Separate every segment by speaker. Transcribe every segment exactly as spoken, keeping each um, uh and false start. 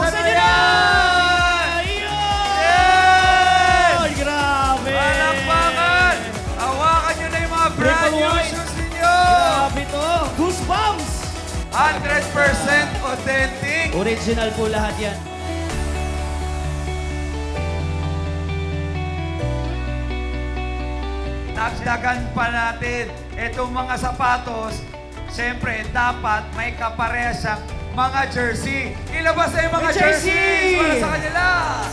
Speaker 1: Buksan
Speaker 2: mo
Speaker 1: nyo na!
Speaker 2: yan!
Speaker 1: Yun! Grabe!
Speaker 2: Palakpakan! Hawakan nyo na yung mga brand
Speaker 1: Triple
Speaker 2: new
Speaker 1: white.
Speaker 2: shoes ninyo!
Speaker 1: Grabe to! Goosebumps!
Speaker 2: one hundred percent authentic!
Speaker 1: Original po lahat yan.
Speaker 2: Dagdagan pa natin itong mga sapatos. Siyempre, dapat may kapareha siyang mga jersey. Ilabas na yung mga
Speaker 1: May jersey!
Speaker 2: jerseys para sa kanila!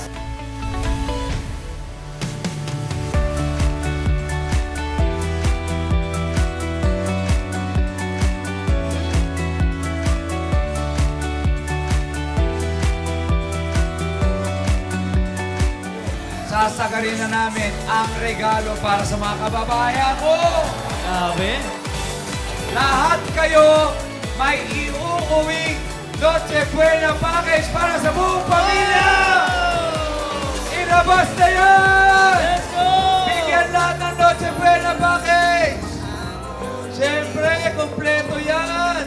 Speaker 2: Sasagarin na namin ang regalo para sa mga kababayan ko!
Speaker 1: Grabe!
Speaker 2: Lahat kayo may iuuwing Noche Buena package para sa buong pamilya! Ilabas na yan!
Speaker 1: Let's go!
Speaker 2: Bigyan lahat ng Noche Buena package! Siyempre, kompleto yan!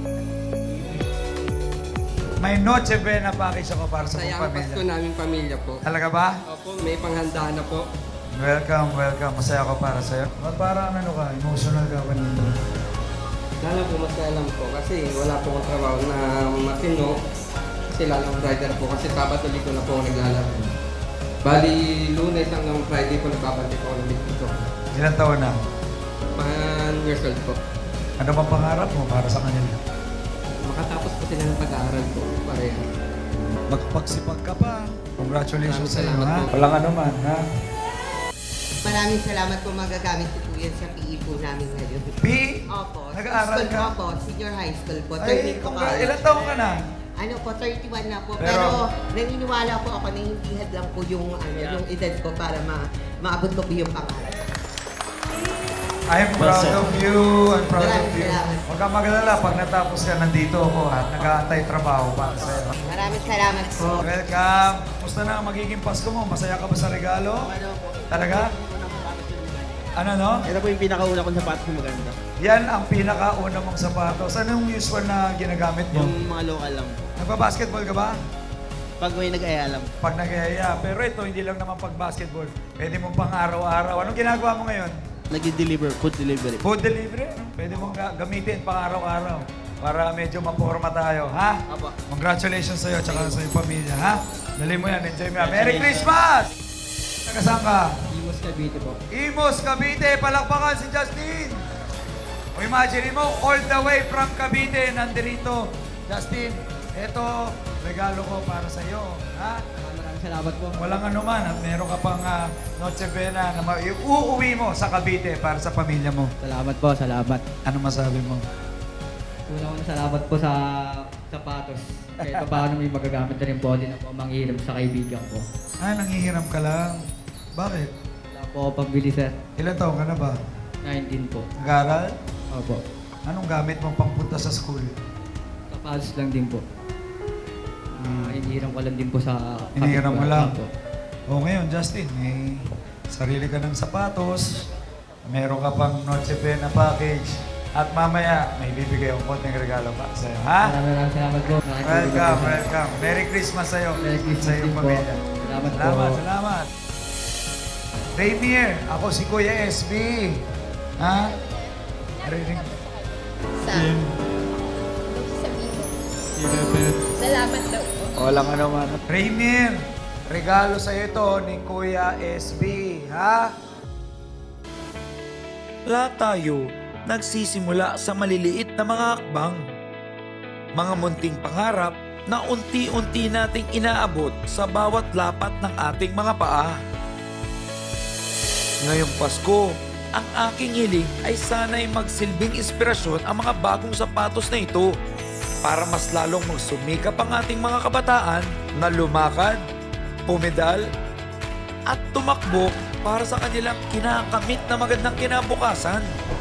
Speaker 2: May Noche Buena package ako para sa buong
Speaker 3: Saya ang Pasko
Speaker 2: pamilya.
Speaker 3: namin pamilya po.
Speaker 2: Talaga ba?
Speaker 3: Opo, may panghanda na po.
Speaker 2: Welcome, welcome. Masaya ako para sa'yo. Parang ano ka, emotional ka kanina.
Speaker 3: Sana po masaya lang po kasi wala po akong trabaho na matino. Kasi lalang rider po kasi Sabado Linggo na po ako naglalaro. Bali, Lunes hanggang Friday po nagpapantay po ako ng dito.
Speaker 2: Ilan taon na?
Speaker 3: Man years old po.
Speaker 2: Ano bang pangarap mo para sa kanila?
Speaker 3: Makatapos po sila ng pag-aaral po. Pareha.
Speaker 2: Magpagsipag ka pa. Congratulations sa iyo,
Speaker 3: Salamat
Speaker 2: ha?
Speaker 3: po.
Speaker 2: Walang ano man, ha?
Speaker 4: Maraming salamat po magagamit ko po yan sa P E po namin ngayon.
Speaker 2: B?
Speaker 4: Opo.
Speaker 2: Nag-aaral
Speaker 4: School
Speaker 2: ka?
Speaker 4: po ako, senior high school po.
Speaker 2: Ay,
Speaker 4: thirteen po
Speaker 2: congra-
Speaker 4: college.
Speaker 2: ilan taon ka na?
Speaker 4: Ano po, thirty-one na po.
Speaker 2: Pero-
Speaker 4: Pero, naniniwala po ako na hindi had lang po yung, ano, yung edad ko para ma maabot ko po yung pangarap.
Speaker 2: I'm proud
Speaker 1: Basta.
Speaker 2: of you. I'm proud of
Speaker 4: Maraming
Speaker 2: you.
Speaker 4: salamat.
Speaker 2: Huwag kang magalala. Pag natapos ka, nandito ako, ha? Nag-aantay trabaho para sa'yo.
Speaker 4: Maraming salamat po.
Speaker 2: Welcome. Kumusta na ang magiging Pasko mo? Masaya ka ba sa regalo? Talaga? Ano, no?
Speaker 5: Ito po yung pinakauna kong sapatos na maganda.
Speaker 2: Yan ang pinakauna mong sapatos. Ano yung usual na ginagamit mo?
Speaker 5: Yung mga local lang po.
Speaker 2: Nagpa-basketball ka ba?
Speaker 5: Pag may nag-aalam,
Speaker 2: Pag nag-aya. Pero ito, hindi lang naman pag-basketball. Pwede mong pang araw-araw. Anong ginagawa mo ngayon?
Speaker 5: nag-deliver, food delivery.
Speaker 2: Food delivery. no? Pwede mong ga- gamitin pang araw-araw. Para medyo maporma tayo, ha?
Speaker 5: Apo.
Speaker 2: Congratulations sa'yo at sa iyong pamilya, ha? Dali mo yan, enjoy mo yan. Merry Christmas! Taga saan ka?
Speaker 3: Imos Cavite po.
Speaker 2: Imos, Cavite. Palakpakan si Justin. O imagine mo, all the way from Cavite, nandito. Justin, eto, regalo ko para sa iyo. Ha?
Speaker 3: Maraming salamat po.
Speaker 2: Walang anuman at meron ka pang uh, Noche Buena na ma- uuwi mo sa Cavite para sa pamilya mo.
Speaker 3: Salamat po, salamat.
Speaker 2: Ano masabi mo?
Speaker 6: Una ko salamat po sa sapatos. Kahit pa paano may magagamit na rin po din ako manghiram sa kaibigan ko.
Speaker 2: Ah, nangihiram ka lang. Bakit?
Speaker 6: Wala po ako pambili sir.
Speaker 2: Ilan taon ka na ba?
Speaker 6: nineteen po.
Speaker 2: Nag-aaral?
Speaker 6: Opo.
Speaker 2: Anong gamit mong pangpunta sa school?
Speaker 6: Sapatos lang din po. Ah, hinihiram ko lang din po sa
Speaker 2: Hinihiram mo lang?
Speaker 6: po.
Speaker 2: O ngayon, Justin, may sarili ka ng sapatos, meron ka pang Noche Buena package, at mamaya may bibigay akong konting regalo pa sa'yo, ha?
Speaker 6: Maraming maraming salamat po. Maraming
Speaker 2: Welcome,
Speaker 6: salamat po.
Speaker 2: welcome. Merry Christmas sa'yo.
Speaker 6: Merry Christmas
Speaker 2: sa iyong
Speaker 6: din po.
Speaker 2: pamilya.
Speaker 6: Salamat po.
Speaker 2: Salamat, salamat. Rainier, ako si Kuya S B. Ha? Narinig?
Speaker 7: Sa sabihin mo. Salamat daw po.
Speaker 2: Walang ano man. Rainier, regalo sa'yo ito ni Kuya S B. Ha?
Speaker 8: Lahat tayo nagsisimula sa maliliit na mga hakbang. Mga munting pangarap na unti-unti nating inaabot sa bawat lapat ng ating mga paa. Ngayong Pasko, ang aking hiling ay sana'y magsilbing inspirasyon ang mga bagong sapatos na ito para mas lalong magsumikap ang ating mga kabataan na lumakad, pumedal, at tumakbo para sa kanilang kinakamit na magandang kinabukasan.